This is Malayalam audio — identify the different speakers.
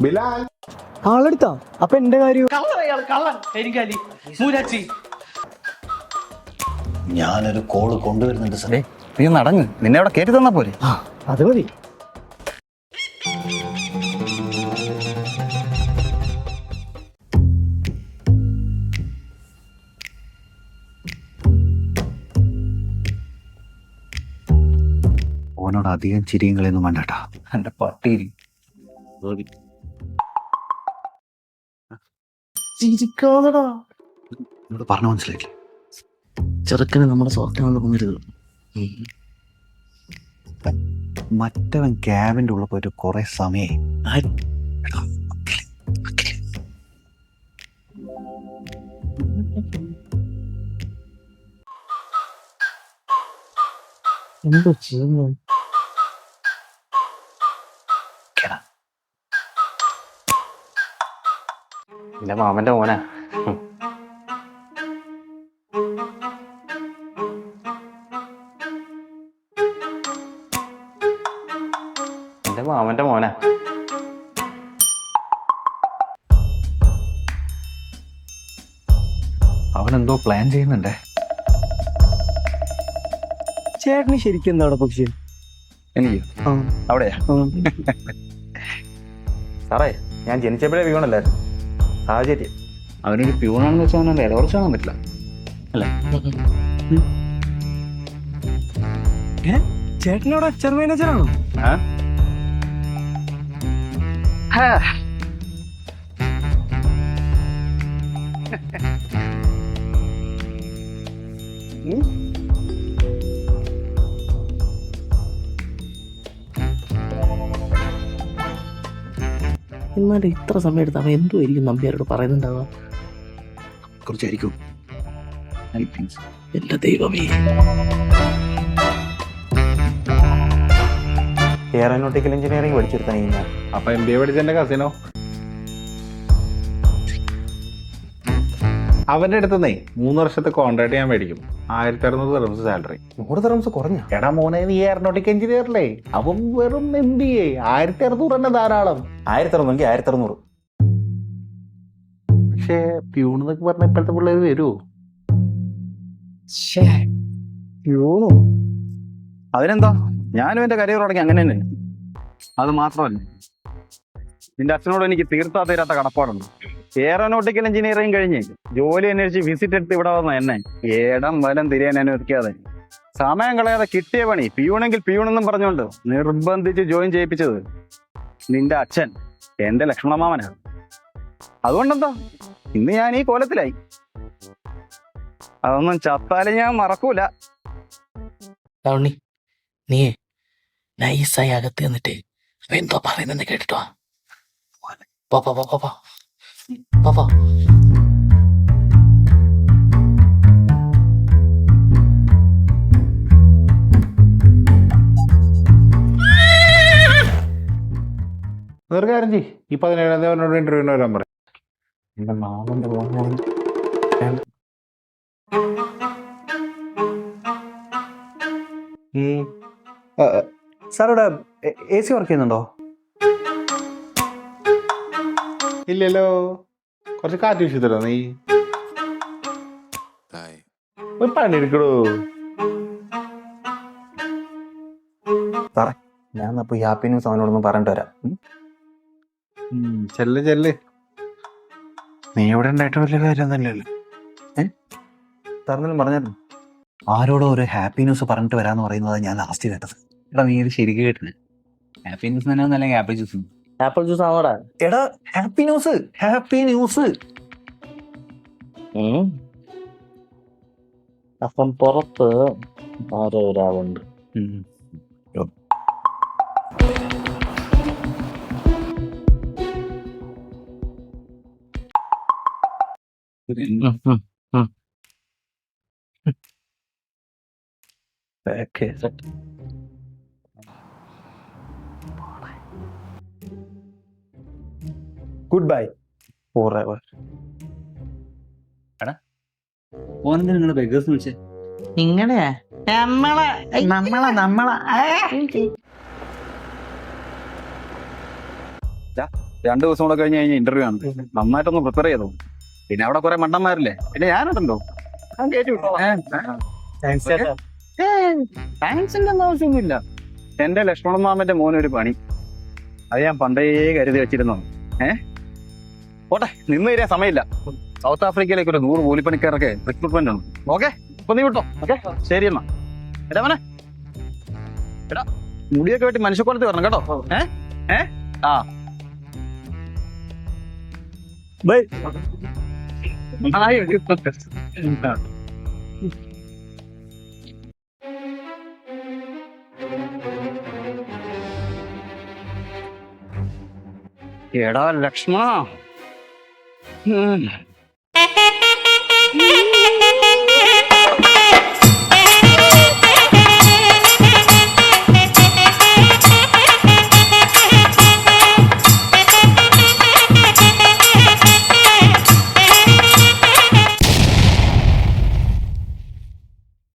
Speaker 1: ബിലാൽ
Speaker 2: ആളെടുത്താ അപ്പൊ എന്റെ കാര്യം
Speaker 3: ഞാനൊരു കോള് കൊണ്ടുവരുന്നുണ്ട് സാറേ. നീ നടങ്ങ്, നിന്നെ അവിടെ കയറ്റി തന്നാ പോരെ.
Speaker 2: അത് മതി.
Speaker 3: ഓനോട് അധികം ചിരിയും കളിയൊന്നും വേണ്ടട്ടാ, എന്റെ പട്ടിയിൽ പറഞ്ഞ മനസ്സിലായില്ലേ?
Speaker 4: ചെറുക്കന് നമ്മുടെ സ്വർഗം തോന്നരുത്.
Speaker 3: മറ്റവൻ ക്യാബിന്റെ ഉള്ളിൽ പോയിട്ട് കുറെ സമയായി.
Speaker 4: എന്തോ ചെയ്യുന്നു?
Speaker 5: എന്റെ മാമന്റെ മോനാ. എന്റെ മാമന്റെ മോനാ.
Speaker 3: അവനെന്തോ പ്ലാൻ ചെയ്യുന്നുണ്ടേ.
Speaker 2: ചേട്ടന് ശരിക്കും എന്താ അവിടെ പക്ഷി?
Speaker 3: എനിക്ക് അവിടെയാ.
Speaker 5: സാറേ, ഞാൻ ജനിച്ചപ്പോഴേ വീണല്ലായിരുന്നു. സാഹചര്യം.
Speaker 3: അവനൊരു പ്യൂണാണെന്ന് വെച്ചാൽ അവനെ വില കുറച്ച് കാണാൻ പറ്റില്ല അല്ലേ?
Speaker 2: ചേട്ടനോട് അച്ഛൻ മാനേജറാണോ?
Speaker 4: എന്നാലും ഇത്ര സമയം എടുത്ത് അവൻ എന്തോ ആയിരിക്കും നമ്പ്യാരോട് പറയുന്നുണ്ടാവുക.
Speaker 3: കുറച്ചായിരിക്കും.
Speaker 4: എന്റെ ദൈവമേ.
Speaker 5: എയറോനോട്ടിക്കൽ എഞ്ചിനീയറിംഗ് പഠിച്ചെടുത്താ ഞാൻ.
Speaker 1: അപ്പൊ MBA പഠിച്ചെന്റെ കസിനോ? അവന്റെ അടുത്തുനിന്നേ 3 വർഷത്തെ കോൺട്രാക്ട് ഞാൻ മേടിക്കും. 1600 ദിർഹംസ് സാലറി.
Speaker 5: 100 ദിർഹംസ് കുറഞ്ഞ?
Speaker 1: എടാ മോനെ, നീ എയറോനോട്ടിക്കൽ എഞ്ചിനീയറല്ലേ? അവൻ വെറും MBA. 1600 തന്നെ ധാരാളം.
Speaker 5: 1600 1600.
Speaker 1: പക്ഷേ പ്യൂൺ എന്നൊക്കെ പറഞ്ഞ ഇപ്പോഴത്തെ പിള്ളേർ വരുമോ?
Speaker 3: അതിനെന്താ, ഞാനും എന്റെ കരിയർ തുടങ്ങി അങ്ങനെ തന്നെ. അത് മാത്രമല്ല, നിന്റെ അച്ഛനോട് എനിക്ക് തീർത്താ തീരാത്ത കടപ്പാടുണ്ട്. എയറോനോട്ടിക്കൽ എഞ്ചിനീയറിംഗ് കഴിഞ്ഞ് ജോലി അന്വേഷിച്ച് വിസിറ്റ് എടുത്ത് ഇവിടെ വന്ന എന്നെ ഏടം വലം തിരിയാൻ അനുവദിക്കാതെ സമയം കളയാതെ കിട്ടിയ പണി പ്യൂണെങ്കിൽ പ്യൂണെന്നും പറഞ്ഞുകൊണ്ട് നിർബന്ധിച്ച് ജോയിൻ ചെയ്യിപ്പിച്ചത് നിന്റെ അച്ഛൻ, എന്റെ ലക്ഷ്മണമാമനാണ്. അതുകൊണ്ടെന്താ ഇന്ന് ഞാൻ ഈ കോലത്തിലായി. അതൊന്നും ചത്താലും ഞാൻ മറക്കൂല.
Speaker 4: ഉണ്ണി, നീയേ നൈസായി അകത്ത് എന്നിട്ട് അവൻ എന്തോ പറയുന്നെന്ന് കേട്ടിട്ടോ. പാപ്പാ പാപ്പാ പാപ്പാ.
Speaker 1: വേറെ കാര്യം ചെയ്യ്, ഈ 17-ാം തീയതി അവനോട് ഇന്റർവ്യൂവിന് വരാൻ പറയും.
Speaker 5: എന്റെ മാമന്റെ മോനാണ്.
Speaker 3: സാറിവിടെ AC വർക്ക് ചെയ്യുന്നുണ്ടോ?
Speaker 1: ഇല്ലല്ലോ, കുറച്ച് കാറ്റ് വീശിത്തരോ നീ? ഒരു പണി എടുക്കടോ.
Speaker 5: സാറേ, ഞാൻ അപ്പൊ ഈ ഹാപ്പി ന്യൂസ് അവനോടൊന്ന് പറഞ്ഞിട്ട് വരാം.
Speaker 1: ചെല്ല്.
Speaker 3: നീ ഇവിടെ ഉണ്ടായിട്ട് വലിയ കാര്യം തന്നെയല്ലോ.
Speaker 5: സാറിനെല്ലാം പറഞ്ഞായിരുന്നു.
Speaker 3: ആരോടോ ഒരു ഹാപ്പി ന്യൂസ് പറഞ്ഞിട്ട് വരാന്ന് പറയുന്നത് ഞാൻ ലാസ്റ്റ് കേട്ടത്. എടാ, നീ ഇത് ശരിക്കും കേട്ടിന്? ഹാപ്പി ന്യൂസ് തന്നെ അല്ലെങ്കിൽ ആപ്പിൾ ജ്യൂസ്?
Speaker 4: ആപ്പിൾ ജ്യൂസ് ആണോടാ?
Speaker 3: എടാ, ഹാപ്പി ന്യൂസ്.
Speaker 4: അപ്പം പുറത്ത് ആരോ ഒരാളുണ്ട്.
Speaker 5: Good bye Forever.
Speaker 3: ഓനെന്താ നിങ്ങള് ബെഗേഴ്സ് വിളിച്ചേ?
Speaker 4: നിങ്ങളെ നമ്മളെ
Speaker 3: 2 ദിവസം കൂടെ കഴിഞ്ഞ് കഴിഞ്ഞാൽ ഇന്റർവ്യൂ ആണ്. നന്നായിട്ടൊന്ന് പ്രിപ്പയർ ചെയ്തോ. പിന്നെ അവിടെ കുറെ മണ്ടന്മാരില്ലേ, പിന്നെ ഞാനുണ്ടല്ലോ. ഞാൻ കയറ്റി വിട്ടോളാം. താങ്ക്സിന്റെ ഒന്നും ആവശ്യമൊന്നുമില്ല. എന്റെ ലക്ഷ്മണൻ മാമന്റെ മോനൊരു പണി, അത് ഞാൻ പണ്ടേ കരുതി വെച്ചിരുന്നു. പോട്ടെ, നിന്ന് തരാൻ സമയമില്ല. സൗത്ത് ആഫ്രിക്കയിലേക്ക് ഒരു 100 കൂലിപ്പണിക്കാരൊക്കെ റിക്രൂട്ട്മെന്റ് ആണ്. ഓക്കെ, ഇപ്പൊ നീ വിട്ടോ. ഓക്കെ, ശരി എന്നാ. എടാ മോനെ, എടാ മുടിയൊക്കെ വെട്ടി മനുഷ്യക്കോലത്ത് വരണം കേട്ടോ. ആ
Speaker 2: ബൈ.
Speaker 3: എടാ ലക്ഷ്മണ,